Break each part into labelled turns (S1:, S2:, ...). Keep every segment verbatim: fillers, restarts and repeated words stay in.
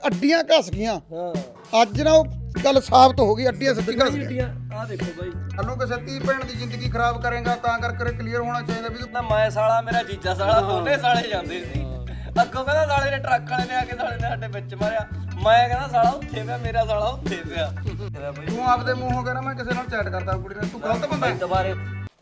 S1: ਅੱਡੀਆਂ ਘਸ ਗਈਆਂ। ਹਾਂ ਅੱਜ ਨਾ ਉਹ ਗੱਲ ਸਾਬਤ ਹੋ ਗਈ, ਅੱਡੀਆਂ ਸੱਚੀ ਘਸ ਗਈਆਂ।
S2: ਆ ਦੇਖੋ ਬਾਈ,
S1: ਸਾਨੂੰ ਕਿਸੇ ਧੀ ਭੈਣ ਦੀ ਜ਼ਿੰਦਗੀ ਖਰਾਬ ਕਰੇਗਾ ਤਾਂ ਕਰਕੇ ਕਲੀਅਰ ਹੋਣਾ ਚਾਹੀਦਾ ਵੀ
S2: ਨਾ ਮੈਂ ਸਾਲਾ ਮੇਰਾ ਜੀਜਾ ਸਾਲਾ ਦੋਨੇ ਸਾਲੇ ਜਾਂਦੇ ਸੀ। ਅੱਗੋਂ ਕਹਿੰਦਾ ਸਾਲੇ ਨੇ ਟਰੱਕ ਵਾਲੇ ਨੇ ਆ ਕੇ ਸਾਲੇ ਨੇ ਸਾਡੇ ਵਿੱਚ ਮਾਰਿਆ। ਮੈਂ ਕਹਿੰਦਾ ਸਾਲਾ ਉੱਥੇ ਪਿਆ, ਮੇਰਾ ਸਾਲਾ ਉੱਥੇ ਪਿਆ।
S1: ਤੂੰ ਆਪਦੇ ਮੂੰਹੋਂ ਕਹਿੰਦਾ ਮੈਂ ਕਿਸੇ ਨਾਲ ਚੈਟ ਕਰਦਾ ਕੁੜੀ ਨਾਲ, ਤੂੰ ਗਲਤ ਬੰਦਾ ਹੈ।
S2: ਦੁਬਾਰੇ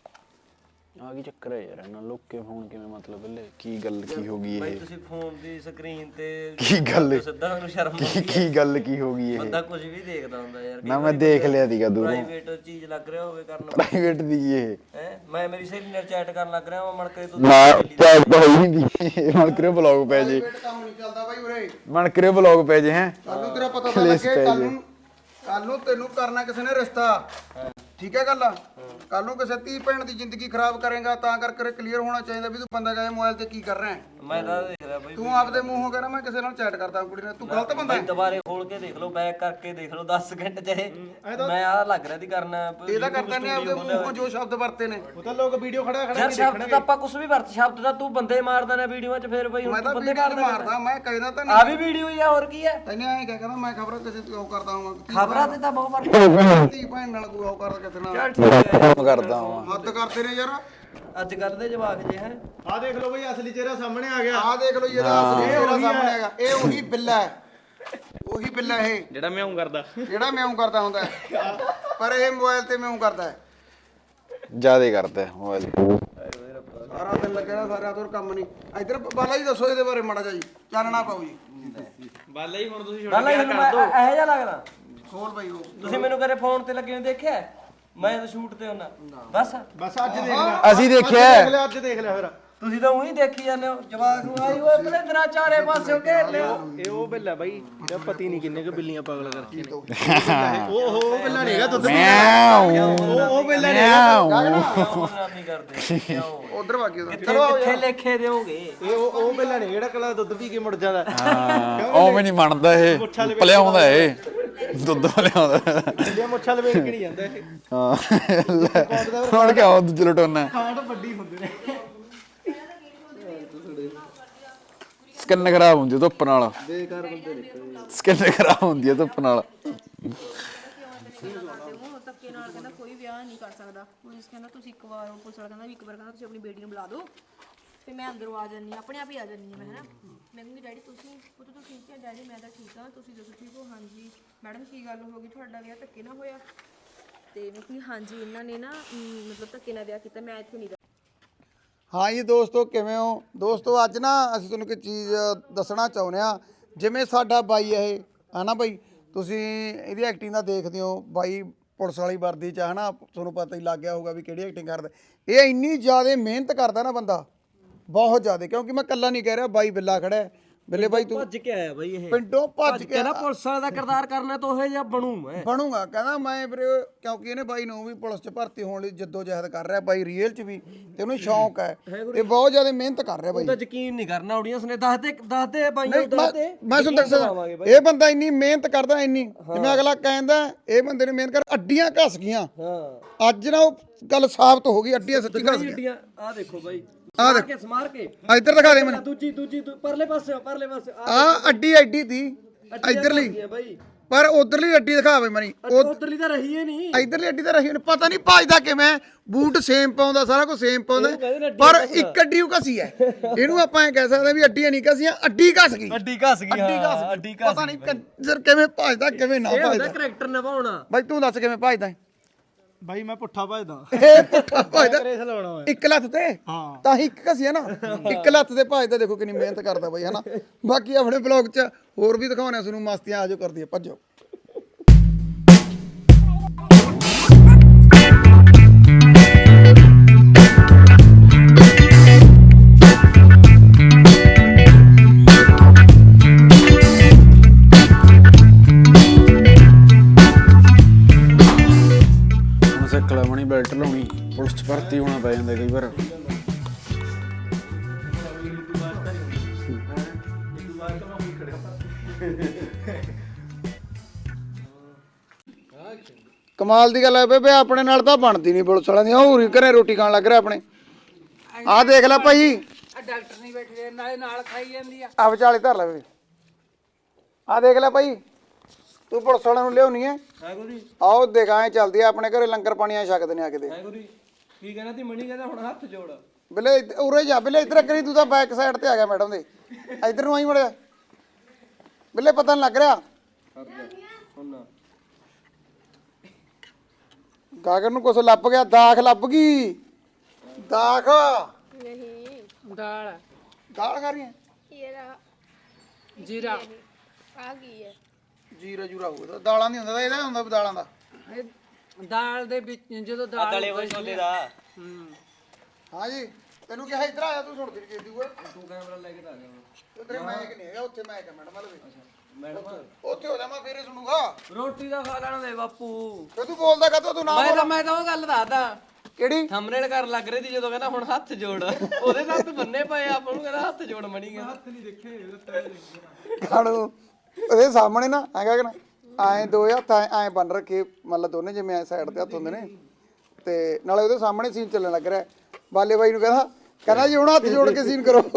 S3: ਆ ਕੀ ਚੱਕਰ ਹੈ ਯਾਰ ਇਹਨਾਂ ਲੋਕੇ ਫੋਨ ਕਿਵੇਂ ਮਤਲਬ ਬੱਲੇ ਕੀ ਗੱਲ ਕੀ ਹੋ ਗਈ
S2: ਬਾਈ
S3: ਇਹ
S2: ਤੁਸੀਂ ਫੋਨ ਦੀ ਸਕਰੀਨ ਤੇ
S3: ਕੀ ਗੱਲ
S2: ਸਿੱਧਾ ਉਹਨੂੰ ਸ਼ਰਮ
S3: ਕੀ ਕੀ ਗੱਲ ਕੀ ਹੋ ਗਈ ਇਹ
S2: ਬੰਦਾ ਕੁਝ ਵੀ ਦੇਖਦਾ ਹੁੰਦਾ ਯਾਰ।
S3: ਨਾ ਮੈਂ ਦੇਖ ਲਿਆ ਸੀਗਾ ਦੂਰੋਂ
S2: ਪ੍ਰਾਈਵੇਟ ਚੀਜ਼ ਲੱਗ ਰਿਹਾ ਹੋਵੇ ਕਰਨ
S3: ਪ੍ਰਾਈਵੇਟ ਦੀ ਇਹ
S2: ਹੈ। ਮੈਂ ਮੇਰੀ ਸਹੇਲੀ ਨਾਲ ਚੈਟ ਕਰਨ ਲੱਗ ਰਿਹਾ, ਮਣ ਕੇ ਤੂੰ
S3: ਨਾ ਚੈਟ ਤਾਂ ਹੋਈ ਨਹੀਂ ਮਨ ਕਰਿਓ ਬਲੌਗ ਪੈ ਜੇ
S1: ਕੰਮ ਨਹੀਂ ਚੱਲਦਾ ਬਾਈ ਉਰੇ।
S3: ਮਨ ਕਰਿਓ ਬਲੌਗ ਪੈ ਜੇ ਹੈ
S1: ਕੱਲ ਨੂੰ ਤੇਰਾ ਪਤਾ ਤਾਂ ਲੱਗੇ, ਕੱਲ ਨੂੰ ਕੱਲ ਨੂੰ ਤੈਨੂੰ ਕਰਨਾ ਕਿਸੇ ਨੇ ਰਿਸ਼ਤਾ, ਠੀਕ ਹੈ ਗੱਲ। ਕੱਲ ਨੂੰ ਕਿਸੇ ਧੀ ਭੈਣ ਦੀ ਜ਼ਿੰਦਗੀ ਖਰਾਬ ਕਰੇਗਾ ਤਾਂ ਕਰਕੇ ਕਲੀਅਰ ਹੋਣਾ ਚਾਹੀਦਾ ਵੀ ਤੂੰ ਬੰਦਾ ਕਹੇ ਮੋਬਾਈਲ ਤੇ ਕੀ ਕਰ ਰਿਹਾ ਹੈ।
S2: ਮੈਂ ਤਾਂ ਦੇਖ ਰਿਹਾ ਬਾਈ,
S1: ਤੂੰ ਆਪਦੇ ਮੂੰਹੋਂ ਕਹਿੰਦਾ ਮੈਂ ਕਿਸੇ ਨਾਲ ਚੈਟ ਕਰਦਾ ਕੁੜੀ ਨਾਲ, ਤੂੰ ਗਲਤ ਬੰਦਾ ਹੈ।
S2: ਦੁਬਾਰੇ ਖੋਲ ਕੇ ਦੇਖ ਲਓ, ਬੈਕ ਕਰਕੇ ਦੇਖ ਲਓ ਦਸ ਸਕਿੰਟ ਚਾਹੇ। ਮੈਂ ਆ ਲੱਗ ਰਿਹਾ ਦੀ ਕਰਨਾ
S1: ਇਹ ਤਾਂ ਕਰਦਾ ਨਹੀਂ ਆਪਦੇ ਮੂੰਹੋਂ ਜੋ ਸ਼ਬਦ ਵਰਤੇ ਨੇ।
S4: ਉਹ ਤਾਂ ਲੋਕ ਵੀਡੀਓ ਖੜਾ ਖੜਾ
S2: ਯਾਰ ਸ਼ਬਦ ਤਾਂ ਆਪਾਂ ਕੁਝ ਵੀ ਵਰਤ, ਸ਼ਬਦ ਤਾਂ ਤੂੰ ਬੰਦੇ ਮਾਰਦਾ ਨਾ ਵੀਡੀਓ 'ਚ, ਫੇਰ ਬਈ
S1: ਮੈਂ
S2: ਹੁਣ
S1: ਤਾਂ
S2: ਤੂੰ ਬੰਦੇ
S1: ਵੀਡੀਓ
S2: ਮਾਰਦਾ।
S1: ਮਾਰਦਾ, ਮੈਂ ਕਹਿੰਦਾ ਤਾਂ
S2: ਆ
S1: ਨਹੀਂ।
S2: ਵੀ ਵੀਡੀਓ ਹੀ ਆ, ਹੋਰ ਕੀ ਹੈ।
S1: ਤੈਨੂੰ ਐਂ ਕਹਿ ਕਹਿੰਦਾ ਮੈਂ ਖਬਰਾਂ ਕਿਸੇ ਤੋਂ ਉਹ ਕਰਦਾ ਹਾਂ,
S2: ਖਬਰਾਂ ਤੇ ਤਾਂ ਬਹੁਤ ਵਾਰ
S1: ਧੀ ਭੈਣ ਨਾਲ ਕੋਈ ਉਹ ਕਰਦਾ ਕਿਸੇ ਨਾਲ
S2: ਚੱਲ ਠੀਕ ਹੈ।
S3: ਕੰਮ ਕਰਦਾ ਹਾਂ
S1: ਹੱਦ ਕਰਦੇ ਨੇ ਯਾਰ।
S2: ਅੱਜ ਕੱਲ ਦੇ ਜਵਾਕ ਜੇ ਹੈ,
S4: ਆ ਦੇਖ ਲਓ ਬਈ ਅਸਲੀ ਚਿਹਰਾ ਸਾਹਮਣੇ ਆ ਗਿਆ।
S1: ਆਹ ਦੇਖ ਲਓ ਇਹਦਾ ਅਸਲੀ ਚਿਹਰਾ ਸਾਹਮਣੇ ਹੈਗਾ। ਇਹ ਉਹੀ ਬਿੱਲਾ ਹੈ, ਉਹੀ ਬਿੱਲਾ ਇਹ
S4: ਜਿਹੜਾ ਮਿਆਉਂ ਕਰਦਾ
S1: ਜਿਹੜਾ ਮਿਆਉਂ ਕਰਦਾ ਹੁੰਦਾ ਹੈ, ਪਰ ਇਹ ਮੋਬਾਈਲ ਤੇ ਮਿਆਉਂ ਕਰਦਾ ਹੈ।
S3: ਜਿਆਦੇ ਕਰਦਾ ਮੋਬਾਈਲ
S1: ਸਾਰਾ ਦਿਨ ਲੱਗਿਆ ਸਾਰਾ ਤੋਂ ਕੰਮ ਨਹੀਂ। ਇੱਧਰ ਬਾਲਾ ਜੀ ਦੱਸੋ ਇਹਦੇ ਬਾਰੇ ਮਾੜਾ ਜਿਹਾ ਜੀ, ਚਾਨਣਾ ਪਾਓ ਜੀ।
S4: ਬਾਲਾ ਹੀ ਹੁਣ ਤੁਸੀਂ
S2: ਗੱਲ ਇਹ ਇਹੋ ਜਿਹਾ ਲੱਗਦਾ।
S1: ਖੋਲ ਬਾਈ ਉਹ
S2: ਤੁਸੀਂ ਮੈਨੂੰ ਕਦੇ ਫੋਨ ਤੇ ਲੱਗੇ ਨੂੰ ਦੇਖਿਆ? ਮੈਂ ਤਾਂ ਸ਼ੂਟ ਤੇ ਹੁੰਨਾ ਬਸ।
S4: ਬਸ ਅੱਜ ਦੇਖ ਲਿਆ,
S3: ਅਸੀਂ ਦੇਖਿਆ
S4: ਦੇਖ ਲਿਆ ਅੱਜ ਦੇਖ ਲਿਆ ਫਿਰ।
S2: ਤੁਸੀਂ ਤਾਂ ਉਹੀ ਦੇਖੀ ਜਾਂਦੇ ਹੋ, ਜਵਾਕ ਨੂੰ ਆਈ ਓਏ ਪਲੇ ਤੇਰਾ ਚਾਰੇ ਪਾਸਿਓਂ ਘੇਰ ਲਿਆ।
S4: ਇਹ ਉਹ ਬਿੱਲਾ ਬਾਈ ਜਿਹੜਾ ਪਤੀ ਨਹੀਂ ਕਿੰਨੇ ਕੁ ਬਿੱਲੀਆਂ ਪਾਗਲ ਕਰਕੇ ਨੇ। ਉਹ ਉਹ ਬਿੱਲਾ ਨਹੀਂ ਹੈਗਾ ਦੁੱਧ ਪੀਂਦਾ। ਉਹ ਉਹ ਬਿੱਲਾ ਨਹੀਂ ਹੈਗਾ।
S2: ਨਹੀਂ ਕਰਦੇ ਕਿਉਂ?
S1: ਉਧਰ ਵਾਗੀ ਉਹਦਾ
S2: ਕਿੱਥੇ ਕਿੱਥੇ ਲੇਖੇ ਦੇਵੋਗੇ?
S4: ਇਹ ਉਹ ਉਹ ਬਿੱਲਾ ਨਹੀਂ ਜਿਹੜਾ ਕਲਾ ਦੁੱਧ ਪੀ ਕੇ ਮੁੜ ਜਾਂਦਾ।
S3: ਉਹ ਵੀ ਨਹੀਂ ਮੰਨਦਾ ਇਹ ਭਲਿਆਉਂਦਾ ਇਹ ਦੁੱਧ ਭਲਿਆਉਂਦਾ
S4: ਬਿੱਲੀਆਂ ਮੁੱਛਾਂ ਲਵੇਟ ਕੇ ਨਹੀਂ ਜਾਂਦਾ ਇਹ।
S3: ਹਾਂ ਹੁਣ ਕਿਆ ਉਹ ਦੂਜੇ ਲਟੋਨਾ
S4: ਕਾਂਡ ਵੱਡੀ ਹੁੰਦੇ ਨੇ।
S3: ਸਕਿਨ ਖਰਾਬ ਹੁੰਦੀ ਧੁੱਪ ਨਾਲ,
S4: ਬੇਕਾਰ ਬੰਦੇ ਨਿਕਲਦੇ।
S3: ਸਕਿਨ ਖਰਾਬ ਹੁੰਦੀ ਹੈ ਧੁੱਪ ਨਾਲ।
S5: ਧੱਕੇ ਨਾਲ ਕਹਿੰਦਾ ਕੋਈ ਵਿਆਹ ਨਹੀਂ ਕਰ ਸਕਦਾ। ਪੁਲਿਸ ਕਹਿੰਦਾ ਤੁਸੀਂ ਇੱਕ ਵਾਰ, ਪੁਲਿਸ ਵਾਲਾ ਕਹਿੰਦਾ ਵੀ ਇੱਕ ਵਾਰ ਕਹਿੰਦਾ ਤੁਸੀਂ ਆਪਣੀ ਬੇਟੀ ਨੂੰ ਬੁਲਾ ਦਿਓ ਤੇ ਮੈਂ ਅੰਦਰੋਂ ਆ ਜਾਂਦੀ ਹਾਂ, ਆਪਣੇ ਆਪ ਹੀ ਆ ਜਾਂਦੀ ਹਾਂ ਮੈਂ, ਹੈ ਨਾ। ਮੈਂ ਕਹਿੰਦੀ ਡੈਡੀ ਤੁਸੀਂ ਪੁੱਤ ਤੂੰ ਠੀਕ ਹੈ? ਡੈਡੀ ਮੈਂ ਤਾਂ ਠੀਕ ਹਾਂ, ਤੁਸੀਂ ਦੱਸੋ ਠੀਕ ਹੋ? ਹਾਂਜੀ ਮੈਡਮ ਕੀ ਗੱਲ ਹੋ ਗਈ, ਤੁਹਾਡਾ ਵਿਆਹ ਧੱਕੇ ਨਾਲ ਹੋਇਆ? ਤੇ ਮੈਂ ਕਹਿੰਦੀ ਹਾਂਜੀ ਇਹਨਾਂ ਨੇ ਨਾ ਮਤਲਬ ਧੱਕੇ ਨਾਲ ਵਿਆਹ ਕੀਤਾ, ਮੈਂ ਇੱਥੇ ਨਹੀਂ।
S1: ਹਾਂ ਜੀ ਦੋਸਤੋ, ਕਿਵੇਂ ਹੋ ਦੋਸਤੋ? ਅੱਜ ਨਾ ਅਸੀਂ ਤੁਹਾਨੂੰ ਇੱਕ ਚੀਜ਼ ਦੱਸਣਾ ਚਾਹੁੰਦੇ ਆ। ਜਿਵੇਂ ਸਾਡਾ ਬਾਈ ਇਹ ਹੈ ਨਾ ਬਾਈ, ਤੁਸੀਂ ਇਹਦੀ ਐਕਟਿੰਗ ਦਾ ਦੇਖਦੇ ਹੋ, ਬਾਈ ਪੁਲਿਸ ਵਾਲੀ ਵਰਦੀ 'ਚ ਹੈ ਨਾ, ਤੁਹਾਨੂੰ ਪਤਾ ਹੀ ਲੱਗ ਗਿਆ ਹੋਊਗਾ ਵੀ ਕਿਹੜੀ ਐਕਟਿੰਗ ਕਰਦਾ। ਇਹ ਇੰਨੀ ਜ਼ਿਆਦਾ ਮਿਹਨਤ ਕਰਦਾ ਨਾ ਬੰਦਾ, ਬਹੁਤ ਜ਼ਿਆਦਾ। ਕਿਉਂਕਿ ਮੈਂ ਇਕੱਲਾ ਨਹੀਂ ਕਹਿ ਰਿਹਾ, ਬਾਈ ਬਿੱਲਾ ਖੜਾ ਹੈ। ਬਿੱਲੇ ਬਾਈ ਤੂੰ
S2: ਭੱਜ ਕੇ ਆਇਆ ਬਾਈ ਇਹ,
S1: ਪਿੰਡੋਂ ਭੱਜ ਕੇ
S2: ਕਹਿੰਦਾ ਪੁਲਿਸ ਵਾਲੇ ਦਾ ਕਿਰਦਾਰ ਕਰਨਾ ਤਾਂ ਉਹੋ ਜਿਹਾ ਬਣੂ ਮੈਂ
S1: ਬਣੂਗਾ। ਕਹਿੰਦਾ ਮੈਂ ਵੀਰੇ, ਕਿਉਂਕਿ ਇਹਨੇ ਬਾਈ ਨੂੰ ਵੀ ਪੁਲਿਸ 'ਚ ਭਰਤੀ ਹੋਣ ਲਈ ਜੱਦੋ ਜਹਿਦ ਕਰ ਰਿਹਾ ਬਾਈ, ਰੀਅਲ 'ਚ ਵੀ, ਤੇ ਉਹਨੂੰ ਸ਼ੌਂਕ ਹੈ। ਇਹ ਬਹੁਤ ਜ਼ਿਆਦਾ ਮਿਹਨਤ ਕਰ ਰਿਹਾ ਬਾਈ।
S2: ਤਾਂ ਯਕੀਨ ਨਹੀਂ ਕਰਨਾ ਆਡੀਅנס ਨੇ। ਦੱਸਦੇ ਦੱਸਦੇ ਬਾਈ
S1: ਨਹੀਂ,
S2: ਨੂੰ ਦੱਸਦੇ
S1: ਮੈਂ ਮੈਂ ਤੁਹਾਨੂੰ ਦੱਸਦਾ, ਇਹ ਬੰਦਾ ਇੰਨੀ ਮਿਹਨਤ ਕਰਦਾ, ਇੰਨੀ ਜਿਵੇਂ ਅਗਲਾ ਕਹਿੰਦਾ ਇਹ ਬੰਦੇ ਨੇ ਮਿਹਨਤ ਕਰ, ਅੱਡੀਆਂ ਘਸ ਗਈਆਂ।
S2: ਹਾਂ
S1: ਅੱਜ ਨਾ ਉਹ ਗੱਲ ਸਾਬਤ ਹੋ ਗਈ, ਅੱਡੀਆਂ ਸੱਚੀ ਘਸ ਗਈਆਂ।
S2: ਆ ਦੇਖੋ ਬਾਈ,
S1: ਆ
S2: ਸਮਾਰ ਕੇ ਸਮਾਰ ਕੇ
S1: ਇੱਧਰ ਦਿਖਾ ਦੇ ਮੈਨੂੰ।
S2: ਦੂਜੀ ਦੂਜੀ ਦੂ- ਪਰਲੇ ਪਾਸੇ ਪਰਲੇ ਪਾਸੇ
S1: ਆ ਅੱਡੀ ਐਡੀ ਦੀ ਇੱਧਰਲੀ,
S2: ਬਾਈ
S1: ਪਰ ਉਧਰਲੀ ਅੱਡੀ ਦਿਖਾਵੇ ਮਨੀ।
S2: ਉਧਰਲੀ ਤਾਂ ਰਹੀ ਹੀ ਨਹੀਂ,
S1: ਇੱਧਰਲੀ ਅੱਡੀ ਤਾਂ ਰਹੀ ਉਹਨੂੰ ਪਤਾ ਨਹੀਂ ਭੱਜਦਾ ਕਿਵੇਂ, ਬੂਟ ਸੇਮ ਪਾਉਂਦਾ, ਸਾਰਾ ਕੁਝ ਸੇਮ ਪਾਉਂਦਾ, ਪਰ ਇੱਕ ਅੱਡੀ ਉਹ ਘਸੀ ਹੈ। ਇਹਨੂੰ ਆਪਾਂ ਐ ਕਹਿ ਸਕਦੇ ਵੀ ਅੱਡੀਆਂ ਨਹੀਂ ਘਸੀਆਂ, ਅੱਡੀ ਘਸ ਗਈ।
S2: ਅੱਡੀ ਘਸ ਗਈ,
S1: ਅੱਡੀ ਘਸ ਗਈ,
S2: ਅੱਡੀ ਘਸ
S1: ਪਤਾ ਨਹੀਂ ਕੰਜਰ ਕਿਵੇਂ ਭੱਜਦਾ ਕਿਵੇਂ ਨਾ
S2: ਇਹ ਹੁੰਦਾ
S1: ਭੱਜਦਾ।
S2: ਕਰੈਕਟਰ ਨਿਭਾਉਣਾ।
S1: ਬਾਈ ਤੂੰ ਦੱਸ ਕਿਵੇਂ ਭੱਜਦਾ?
S4: ਬਾਈ ਮੈਂ ਪੁੱਠਾ ਭਜਦਾ,
S1: ਇਹ ਪੁੱਠਾ ਭੱਜਦਾ
S4: ਰੇਸ ਲਾਉਣਾ ਹੋਇਆ।
S1: ਇੱਕ ਲੱਤ ਤੇ,
S4: ਹਾਂ
S1: ਤਾਂ ਹੀ ਇੱਕ ਘਸੀ ਹੈ ਨਾ, ਇੱਕ ਲੱਤ ਤੇ ਭੱਜਦਾ। ਦੇਖੋ ਕਿੰਨੀ ਮਿਹਨਤ ਕਰਦਾ ਬਾਈ, ਹਨਾ। ਬਾਕੀ ਆਪਣੇ ਬਲੌਗ 'ਚ ਹੋਰ ਵੀ ਦਿਖਾਉਣੇ ਤੁਹਾਨੂੰ ਮਸਤੀਆਂ, ਆਜੋ ਕਰਦੀ ਹੈ, ਭੱਜੋ।
S3: ਸਿੱਖ ਲੈਣੀ ਬੈਲਟ ਲਾਉਣੀ, ਪੁਲਿਸ 'ਚ ਭਰਤੀ ਹੋਣਾ ਪੈ ਜਾਂਦਾ ਕਈ ਵਾਰ।
S1: ਕਮਾਲ ਦੀ ਗੱਲ ਹੈ ਬੇਬੇ, ਆਪਣੇ ਨਾਲ ਤਾਂ ਬਣਦੀ ਨਹੀਂ ਪੁਲਿਸ ਵਾਲਿਆਂ ਦੀ। ਉਹ ਘਰੇ ਰੋਟੀ ਖਾਣ ਲੱਗ ਰਿਹਾ ਆਪਣੇ। ਆਹ ਦੇਖ ਲੈ ਭਾਈ,
S6: ਡਾਕਟਰ ਨਹੀਂ ਬੈਠੇ ਨਾਲੇ ਨਾਲ ਖਾਈ ਜਾਂਦੀ ਆ।
S1: ਆ ਵਿਚਾਲੇ ਧਰ ਲੈ ਬੇਬੇ, ਆ ਦੇਖ ਲੈ ਭਾਈ ਤੂੰ ਪੁਲਿਸ ਵਾਲਿਆਂ ਨੂੰ ਲਿਆਉਣੀ ਹੈ
S4: ਹੈ ਗੁਰੀ
S1: ਆਓ ਦਿਖਾਏ ਚੱਲਦੀ ਆ ਆਪਣੇ ਘਰੇ ਲੰਗਰ ਪਾਣੀਆਂ ਛਕਦੇ ਨੇ ਆ ਕੇ ਦੇ
S4: ਹੈ ਗੁਰੀ ਕੀ ਕਹਿਣਾ ਤੀ ਮਣੀ ਕਹਿੰਦਾ ਹੁਣ ਹੱਥ ਜੋੜ
S1: ਬਿੱਲੇ ਇੱਧ- ਉਰੇ ਜਾ ਬਿੱਲੇ ਇੱਧਰ ਕਰੀ ਤੂੰ ਤਾਂ ਬੈਕ ਸਾਈਡ ਤੇ ਆ ਗਿਆ ਮੈਡਮ ਦੇ ਇੱਧਰ ਨੂੰ ਆਈ ਮੜਿਆ ਬਿੱਲੇ ਪਤਾ ਨਹੀਂ ਲੱਗ ਰਿਹਾ
S4: ਹੁਣ ਨਾ
S1: ਗਾਗਰ ਨੂੰ ਕੁਛ ਲੱਭ ਗਿਆ ਦਾਖ ਲੱਭ ਗਈ ਦਾਖ
S5: ਨਹੀਂ
S6: ਦਾਲ
S1: ਦਾਲ ਖਾ ਰਹੀ ਹੈ
S5: ਇਹਦਾ
S6: ਜੀਰਾ
S5: ਆ ਗਈ ਹੈ
S1: ਜੀਰਾ ਜੂਰਾ ਹੋਊਗਾ ਦਾਲਾਂ ਨਹੀਂ ਹੁੰਦਾ ਇਹਦਾ ਹੁੰਦਾ ਵੀ ਦਾਲਾਂ ਦਾ
S6: ਇਹ ਦਾਲ ਦੇ ਵਿੱਚ ਜਦੋਂ ਦਾਲ
S2: ਤਲੇ ਹੋਏ ਛੋਲੇ ਦਾ
S6: ਹੂੰ
S1: ਹਾਂ ਜੀ ਤੈਨੂੰ ਕਿਹਾ ਇੱਧਰ ਆ ਜਾ ਤੂੰ ਸੁਣਦੀ ਨਹੀਂ ਕਿਦੀ ਓਏ
S4: ਤੂੰ ਕੈਮਰਾ ਲੈ ਕੇ ਤਾਂ ਆ ਗਿਆ
S1: ਉਧਰ ਮੈਂ ਕਿ ਨਹੀਂ ਹੈਗਾ ਉੱਥੇ ਮੈਂ ਕਿ ਮੈਡਮ ਵਾਲੇ
S4: ਮੈਡਮ
S1: ਉੱਥੇ ਹੋ ਜਾ ਮੈਂ ਫੇਰੇ ਸੁਣੂਗਾ
S4: ਰੋਟੀ ਦਾ ਖਾ ਲੈਣ ਦੇ ਬਾਪੂ
S1: ਤੇ ਤੂੰ ਬੋਲਦਾ ਕਾ ਤੂੰ ਨਾ
S4: ਮੈਂ
S1: ਬੋਲ
S4: ਤਾਂ ਮੈਂ ਤਾਂ ਉਹ ਗੱਲ ਦੱਸਦਾ
S1: ਕਿਹੜੀ
S4: ਥੰਬਨੇਲ ਕਰਨ ਲੱਗ ਰਹੀ ਸੀ ਜਦੋਂ ਕਹਿੰਦਾ ਹੁਣ ਹੱਥ ਜੋੜ ਉਹਦੇ ਨਾਲ ਤੂੰ ਬੰਨੇ ਪਏ ਆਪਾਂ ਨੂੰ ਕਹਿੰਦਾ ਹੱਥ ਜੋੜ ਮਣੀ ਗਿਆ ਹੱਥ ਨਹੀਂ ਦੇਖੇ
S1: ਖਾਣੂ ਉਹਦੇ ਸਾਹਮਣੇ ਨਾ ਹੈਗਾ ਕਿ ਨਾ ਐ ਦੋ ਹੱਥ ਐ ਐ ਬੰਨ ਰੱਖੇ ਮਤਲਬ ਦੋਨੇ ਜਿਵੇਂ ਐ ਸਾਈਡ ਤੇ ਹੱਥ ਹੁੰਦੇ ਨੇ ਤੇ ਨਾਲੇ ਉਹਦੇ ਸਾਹਮਣੇ ਸੀਨ ਚੱਲਣ ਲੱਗ ਰਿਹਾ ਬਾਲੇ ਬਾਈ ਨੂੰ ਕਹਿੰਦਾ ਕਹਿੰਦਾ ਜੀ ਹੁਣ ਹੱਥ ਜੋੜ ਕੇ ਸੀਨ ਕਰੋ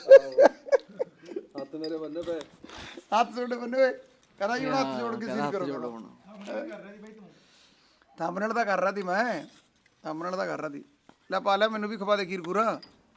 S4: ਹੱਥ ਮੇਰੇ ਬੰਨੇ ਪਏ
S1: ਹੱਥ ਜੋੜੇ ਬੰਨੇ ਹੋਏ ਕਹਿੰਦਾ ਜੀ ਹੁਣ ਹੱਥ ਜੋੜ ਕੇ ਸੀਨ ਕਰੋ ਥੰਬਨੇਲ ਤਾਂ ਕਰ ਰਹਾ ਸੀ ਮੈਂ ਥੰਬਨੇਲ ਤਾਂ ਕਰ ਰਹਾ ਸੀ ਲੈ ਪਾ ਲੈ ਮੈਨੂੰ ਵੀ ਖਵਾ ਦੇ ਖੀਰ ਖੂਰਾ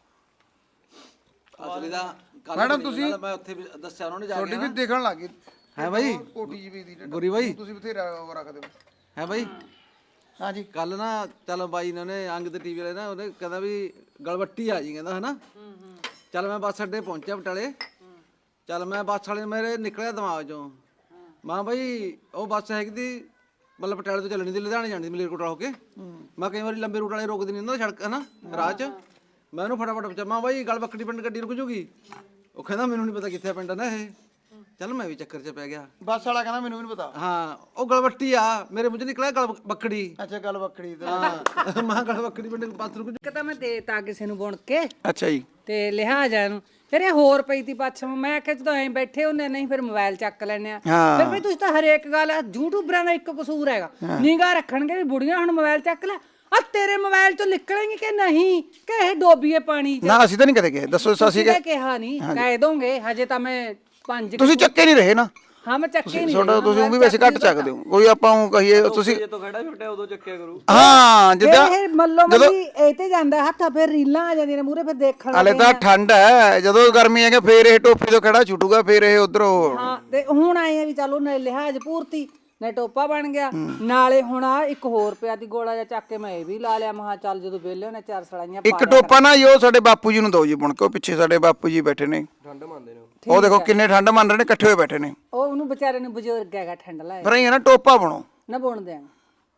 S7: ਅਸਲੀ ਦਾ ਕੱਲ
S1: ਮੈਡਮ ਤੁਸੀਂ
S7: ਮੈਂ ਉੱਥੇ ਵੀ ਦੱਸਿਆ ਉਹਨਾਂ ਨੇ ਜਾ
S1: ਤੁਹਾਡੀ
S7: ਕੇ
S1: ਵੀ ਦੇਖਣ ਲੱਗ ਗਈ
S7: ਹੈ ਬਾਈ
S1: ਕੋਟੀ ਜੀ ਵੀ ਦੀ
S7: ਗੁਰੀ ਬਾਈ
S1: ਤੁਸੀਂ ਬਥੇਰਾ ਉਹ ਰੱਖਦੇ ਹੋ
S7: ਹੈ ਬਾਈ
S1: ਹਾਂਜੀ
S7: ਕੱਲ ਨਾ ਚੱਲ ਬਾਈ ਇਹਨਾਂ ਨੇ ਅੰਗ ਤੇ ਟੀਵੀ ਵਾਲੇ ਨਾ ਉਹਨੇ ਕਹਿੰਦਾ ਵੀ ਗਲਵੱਟੀ ਆ ਜੀ ਕਹਿੰਦਾ ਹਨਾ ਚੱਲ ਮੈਂ ਬੱਸ ਅੱਡੇ ਪਹੁੰਚਿਆ ਬਟਾਲੇ ਚੱਲ ਮੈਂ ਬੱਸ ਵਾਲੇ ਮੇਰੇ ਨਿਕਲਿਆ ਦਿਮਾਗ ਚੋਂ ਮਾਂ ਬਾਈ ਉਹ ਬੱਸ ਹੈਗੀ ਤੀ ਮਤਲਬ ਪਟਿਆਲੇ ਤੋਂ ਚੱਲਣੀ ਦੀ ਲੁਧਿਆਣੇ ਜਾਣੀ ਦੀ ਮਲੇਰਕੋਟਲਾ ਹੋ ਕੇ ਮੈਂ ਕਈ ਵਾਰੀ ਲੰਬੇ ਰੂਟ ਵਾਲੇ ਰੋਕਦੇ ਨਹੀਂ ਹੁੰਦਾ ਸੜਕ ਹਨਾ ਰਾਹ 'ਚ ਮੈਂ ਉਹਨੂੰ ਫਟਾਫਟ ਪੁੱਛਿਆ ਮਾਂ ਬਾਈ ਗਲ ਬੱਕੜੀ ਪਿੰਡ ਗੱਡੀ ਰੁਕ ਜੂਗੀ ਉਹ ਕਹਿੰਦਾ ਮੈਨੂੰ ਨਹੀਂ ਪਤਾ ਕਿੱਥੇ ਪਿੰਡ ਨਾ ਇਹ ਚੱਲ ਮੈਂ ਵੀ ਚੱਕਰ 'ਚ ਪੈ ਗਿਆ
S1: ਬੱਸ ਵਾਲਾ ਕਹਿੰਦਾ ਮੈਨੂੰ ਵੀ ਨਹੀਂ ਪਤਾ
S7: ਹਾਂ ਉਹ ਗਲਵੱਟੀ ਆ ਮੇਰੇ ਮੂੰਹ 'ਚ ਨਿਕਲਿਆ ਗਲ ਬੱਕੜੀ
S1: ਅੱਛਾ ਗੱਲ ਬੱਕੜੀ ਤੇ
S7: ਹਾਂ ਮਾਂ ਗਲ ਬੱਕੜੀ ਪਿੰਡ ਪਾਸ ਰੁਕ
S6: ਇੱਕ ਤਾਂ ਮੈਂ ਦੇਤਾ ਕਿਸੇ ਨੂੰ ਬੁਣ ਕੇ
S1: ਅੱਛਾ ਜੀ
S6: ਤੇ ਲਿਹਾਜ਼ਾ ਇਹਨੂੰ ਫਿਰ ਇਹ ਹੋਰ ਪਈ ਤੀ ਪੱਛਮ ਮੈਂ ਕਿਹਾ ਜਦੋਂ ਐਂ ਬੈਠੇ ਹੁੰਦੇ ਨਹੀਂ ਫਿਰ ਮੋਬਾਈਲ ਚੱਕ ਲੈਣੇ ਆ
S1: ਹਾਂ।
S6: ਫਿਰ ਵੀ ਤੁਸੀਂ ਤਾਂ ਹਰੇਕ ਗੱਲ ਯੂਟਿਊਬਰਾਂ ਦਾ ਇੱਕ ਕਸੂਰ ਹੈਗਾ ਨਿਗਾਹ ਰੱਖਣਗੇ ਵੀ ਬੁੜੀਆਂ ਹੁਣ ਮੋਬਾਈਲ ਚੱਕ ਲੈ ਆ ਤੇਰੇ ਮੋਬਾਈਲ ਚੋਂ ਨਿਕਲੇਂਗੇ ਕਿ ਨਹੀਂ ਕਿ ਇਹ ਡੋਬੀਏ ਪਾਣੀ 'ਚ
S1: ਨਾ ਅਸੀਂ ਤਾਂ ਨਹੀਂ ਕਦੇ ਗਏ ਦੱਸੋ ਅਸੀਂ
S6: ਤੁਸੀਂ ਤਾਂ ਕਿਹਾ ਨਹੀਂ ਕਹਿ ਦੋਗੇ ਹਜੇ ਤਾਂ ਮੈਂ ਪੰਜ
S1: ਤੁਸੀਂ ਚੱਕੇ ਨਹੀਂ ਰਹੇ ਨਾ
S6: ਹਾਂ ਮੈਂ ਚੱਕੇ ਨਹੀਂ
S1: ਤੁਹਾਡਾ ਤੁਸੀਂ ਉਹ ਵੀ ਵੈਸੇ ਘੱਟ ਚੱਕਦੇ ਹੋ ਕੋਈ ਆਪਾਂ ਉਹ ਕਹੀਏ ਤੁਸੀਂ
S4: ਜੇ ਤੋਂ ਖੜਾ ਛੁੱਟਿਆ ਉਦੋਂ ਚੱਕਿਆ ਕਰੂ
S1: ਹਾਂ ਜਿੱਦਾਂ
S6: ਇਹ ਮੱਲੋ ਮੱਲੀ ਇਹ ਤੇ ਜਾਂਦਾ ਹੱਥ ਫਿਰ ਰੀਲਾਂ ਆ ਜਾਂਦੀਆਂ ਨੇ ਮੂਰੇ ਫਿਰ ਦੇਖਣ
S1: ਹਲੇ ਤਾਂ ਠੰਡ ਹੈ ਜਦੋਂ ਗਰਮੀ ਹੈਗੇ ਫੇਰ ਇਹ ਟੋਪੀ ਤੋਂ ਖੜਾ ਛੁੱਟੂਗਾ ਫੇਰ ਇਹ ਉਧਰੋਂ
S6: ਹਾਂ ਤੇ ਹੁਣ ਆਏ ਆ ਵੀ ਚਲੋ ਨਾ ਲਿਹਾਜ਼ ਪੂਰਤੀ ਨਾ ਟੋਪਾ ਬਣ ਗਿਆ ਨਾਲੇ ਹੁਣ ਆ ਇੱਕ ਹੋਰ ਪਿਆ ਦੀ ਗੋਲਾ ਜਿਹਾ ਚੱਕ ਕੇ ਮੈਂ ਇਹ ਵੀ ਲਾ ਲਿਆ ਮਹਾ ਚੱਲ ਜਦੋਂ ਵਿਹਲੇ ਹੋਣੇ ਚਾਰ ਸੜਾਈਆਂ
S1: ਇੱਕ ਟੋਪਾ ਨਾ ਜੋ ਸਾਡੇ ਬਾਪੂ ਜੀ ਨੂੰ ਦੋ ਜੀ ਬੁਣ ਕੇ ਉਹ ਪਿੱਛੇ ਸਾਡੇ ਬਾਪੂ ਜੀ ਬੈਠੇ ਨੇ
S4: ਠੰਡ ਮੰਨਦੇ ਨੇ
S1: ਉਹ ਦੇਖੋ ਕਿੰਨੇ ਠੰਡ ਮੰਨ ਰਹੇ ਨੇ ਇਕੱਠੇ ਹੋਏ ਬੈਠੇ ਨੇ
S6: ਉਹ ਉਹਨੂੰ ਵਿਚਾਰੇ ਨੂੰ ਬਜ਼ੁਰਗ ਹੈਗਾ ਠੰਡ ਲਾਇਆ
S1: ਪਰ ਇਹ ਨਾ ਟੋਪਾ ਬਣੋ
S6: ਨਾ ਬੁਣ ਦਿਆਂਗੇ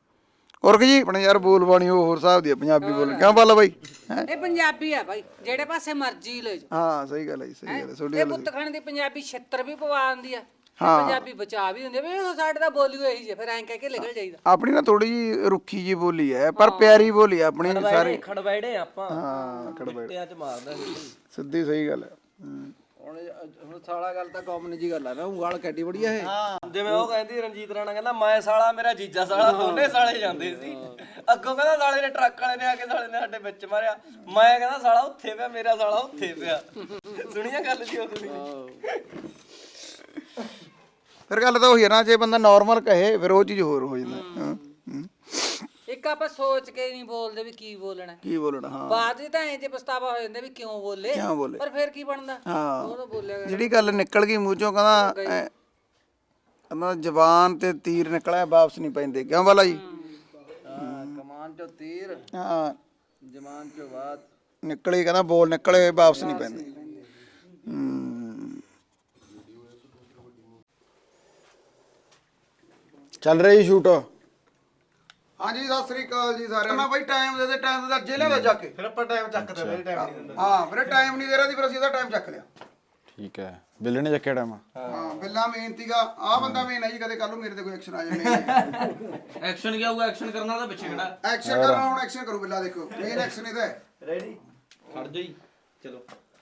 S1: ਔਰ ਜੀ ਆਪਣੇ ਯਾਰ ਬੋਲ ਬਾਣੀ ਉਹ ਹੋਰ ਹਿਸਾਬ ਦੀ ਆ, ਪੰਜਾਬੀ ਬੋਲ ਕਿਉਂ ਬਾਲਾ ਬਾਈ ਹੈਂ?
S6: ਇਹ ਪੰਜਾਬੀ ਆ ਬਾਈ ਜਿਹੜੇ ਪਾਸੇ ਮਰਜ਼ੀ ਲੈ ਜਾ
S1: ਹਾਂ ਸਹੀ ਗੱਲ ਹੈ ਜੀ, ਸਹੀ ਗੱਲ ਹੈ ਤੁਹਾਡੀ
S6: ਇਹ
S1: ਗੱਲ
S6: ਪੁੱਤ ਖਾਣ ਦੀ ਪੰਜਾਬੀ ਛਿੱਤਰ ਵੀ ਪਵਾ ਆਂਦੀ ਆ ਪੰਜਾਬੀ ਬਚਾ ਵੀ ਹੁੰਦੀ ਆ ਵੀ ਇਹ ਸਾਡੇ ਦਾ ਬੋਲੀ ਇਹੀ ਜੇ ਫਿਰ ਐਂ ਕਹਿ ਕੇ ਨਿਕਲ ਜਾਈਦਾ
S1: ਆਪਣੀ ਨਾ ਥੋੜੀ ਜੀ ਰੁੱਖੀ ਜੀ ਬੋਲੀ ਹੈ ਪਰ ਪਿਆਰੀ ਬੋਲੀ ਹੈ ਆਪਣੀ ਸਾਰੀ
S2: ਖੜਵੈੜੇ ਆਪਾਂ
S1: ਹਾਂ ਖੜਬੜ
S2: ਟਿਆਂ ਚ ਮਾਰਦਾ ਸੀ
S1: ਸਿੱਧੀ ਸਹੀ ਗੱਲ ਹੈ ਹੂੰ।
S7: ਹੁਣ ਹੁਣ ਸਾਲਾ ਗੱਲ ਤਾਂ ਕਾਮਨ ਜੀ ਗੱਲ ਆ ਨਾ ਉਂਗਲ ਕੱਟੀ ਬੜੀ ਆ ਇਹ
S2: ਜਿਵੇਂ ਉਹ ਕਹਿੰਦੀ ਰਣਜੀਤ ਰਾਣਾ ਕਹਿੰਦਾ ਮੈਂ ਸਾਲਾ ਮੇਰਾ ਜੀਜਾ ਸਾਲਾ ਦੋਨੇ ਸਾਲੇ ਜਾਂਦੇ ਸੀ ਅੱਗੋਂ ਕਹਿੰਦਾ ਸਾਲੇ ਨੇ ਟਰੱਕ ਵਾਲੇ ਨੇ ਆ ਕੇ ਸਾਲੇ ਨੇ ਸਾਡੇ ਵਿੱਚ ਮਾਰਿਆ ਮੈਂ ਕਹਿੰਦਾ ਸਾਲਾ ਉੱਥੇ ਪਿਆ ਮੇਰਾ ਸਾਲਾ ਉੱਥੇ ਪਿਆ ਸੁਣੀਆਂ ਗੱਲ ਜੀ ਉਹ ਸੁਣੀ
S1: ਫਿਰ ਗੱਲ ਤਾਂ ਉਹੀ ਹੈ ਨਾ ਜੇ ਬੰਦਾ ਨਾਰਮਲ ਕਹੇ ਫਿਰ ਉਹ ਚੀਜ਼ ਹੋਰ ਹੋ ਜਾਂਦਾ ਹਾਂ, ਹੂੰ।
S6: ਇੱਕ ਆਪਾਂ ਸੋਚ ਕੇ ਨਹੀਂ ਬੋਲਦੇ ਵੀ ਕੀ ਬੋਲਣਾ
S1: ਕੀ ਬੋਲਣਾ ਹਾਂ
S6: ਬਾਅਦ ਵਿੱਚ ਤਾਂ ਐਂ ਜੇ ਪਛਤਾਵਾ ਹੋ ਜਾਂਦਾ ਵੀ ਕਿਉਂ ਬੋਲੇ
S1: ਕਿਉਂ ਬੋਲੇ
S6: ਪਰ ਫਿਰ ਕੀ ਬਣਦਾ
S1: ਹਾਂ
S6: ਉਹ ਤਾਂ ਬੋਲਿਆ
S1: ਜਿਹੜੀ ਗੱਲ ਨਿਕਲ ਗਈ ਮੂੰਹ ਚੋਂ ਕਹਿੰਦਾ ਐ- ਕਹਿੰਦਾ ਜ਼ਬਾਨ ਤੇ ਤੀਰ ਨਿਕਲਿਆ ਵਾਪਸ ਨਹੀਂ ਪੈਂਦੇ ਕਿਉਂ ਬਾਲਾ ਜੀ
S7: ਕਮਾਨ ਚੋਂ ਤੀਰ
S1: ਹਾਂ
S7: ਜਮਾਨ ਚੋਂ ਬਾਤ
S1: ਨਿਕਲੇ ਕਹਿੰਦਾ ਬੋਲ ਨਿਕਲੇ ਵਾਪਸ ਨਹੀਂ ਪੈਂਦੇ ਹੂੰ ਚੱਲ ਰਹੀ ਸ਼ੂਟ ਹਾਂਜੀ ਸਤਿ ਸ੍ਰੀ ਅਕਾਲ ਜੀ ਸਾਰਿਆਂ ਨੂੰ ਬਾਈ ਟਾਈਮ ਦੇ ਦੇ ਟਾਈਮ ਦੇ ਅੱਜੇ ਲਿਆਦਾ ਜਾ ਕੇ
S4: ਫਿਰ ਆਪਾਂ ਟਾਈਮ ਚੱਕਦੇ ਫਿਰ ਟਾਈਮ ਨਹੀਂ ਦਿੰਦਾ
S1: ਹਾਂ ਵੀਰੇ ਟਾਈਮ ਨਹੀਂ ਦੇ ਰਿਹਾ ਦੀ ਫਿਰ ਅਸੀਂ ਇਹਦਾ ਟਾਈਮ ਚੱਕ ਲਿਆ
S3: ਠੀਕ ਹੈ ਬਿੱਲੇ ਨੇ ਚੱਕਿਆ ਟਾਈਮ
S1: ਹਾਂ ਬਿੱਲਾ ਮੇਨ ਤੀਗਾ ਆ ਬੰਦਾ ਮੇਨ ਹੈ ਜੀ ਕਦੇ ਕੱਲ ਨੂੰ ਮੇਰੇ ਤੇ ਕੋਈ ਐਕਸ਼ਨ ਆ ਜਾਵੇ
S2: ਐਕਸ਼ਨ ਕੀ ਹੋਊਗਾ ਐਕਸ਼ਨ ਕਰਨਾ ਤਾਂ ਪਿੱਛੇ ਖੜਾ
S1: ਐਕਸ਼ਨ ਕਰਨਾ ਹੁਣ ਐਕਸ਼ਨ ਕਰੂ ਬਿੱਲਾ ਦੇਖੋ ਮੇਨ ਐਕਸ਼ਨ ਇਹਦਾ ਹੈ
S4: ਰੈਡੀ ਖੜ ਜਾਈ ਚਲੋ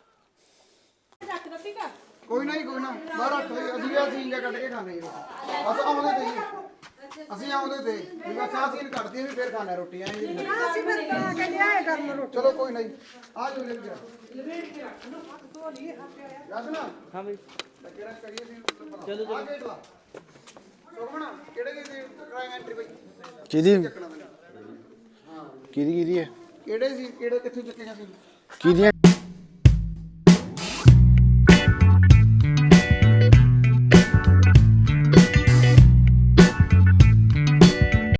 S1: ਕੋਈ ਨਾ ਜੀ ਕੋਈ ਨਾ ਬਾਹਰ ਰੱਖ ਲਈ ਅਸੀਂ ਆ ਸੀਨ ਜਿਹਾ ਕੱਢ ਕੇ ਖਾਣੇ ਜੀ ਬਸ ਆਉਂਦੇ ਤੇ ਜੀ ਅਸੀਂ ਆਉਂਦੇ ਤੇ ਵੀ ਬਸ ਆ ਸੀਨ ਕੱਢਦੇ ਵੀ ਫੇਰ ਖਾਣਾ ਰੋਟੀਆਂ ਜੀ ਅਸੀਂ ਫਿਰ ਕੇ ਲਿਆਏ ਕਰਨ ਰੋਟੀ ਚਲੋ ਕੋਈ ਨਾ ਜੀ ਆ ਜੋ ਲੈ ਕੇ ਆ ਯਾਦ ਨਾ
S4: ਹਾਂ ਬਈ
S1: ਕਿਹੜਾ ਕਰੀਏ ਸੀ ਚਲੋ ਚਲੋ ਗੇਟ ਲਾ ਸੁਖਮਣਾ ਕਿਹੜੇ ਗੇਟ ਦੀ ਕਰਾਂਗੇ ਐਂਟਰੀ ਬਾਈ
S3: ਕਿਹਦੀ
S1: ਚੱਕਣਾ ਤੈਨੂੰ
S3: ਕਿਹਦੀ ਕਿਹਦੀ ਹੈ
S1: ਕਿਹੜੇ ਸੀ ਕਿਹੜੇ ਕਿੱਥੇ ਚੱਕੇਗਾ ਸੀ
S3: ਕਿਹਦੀਆਂ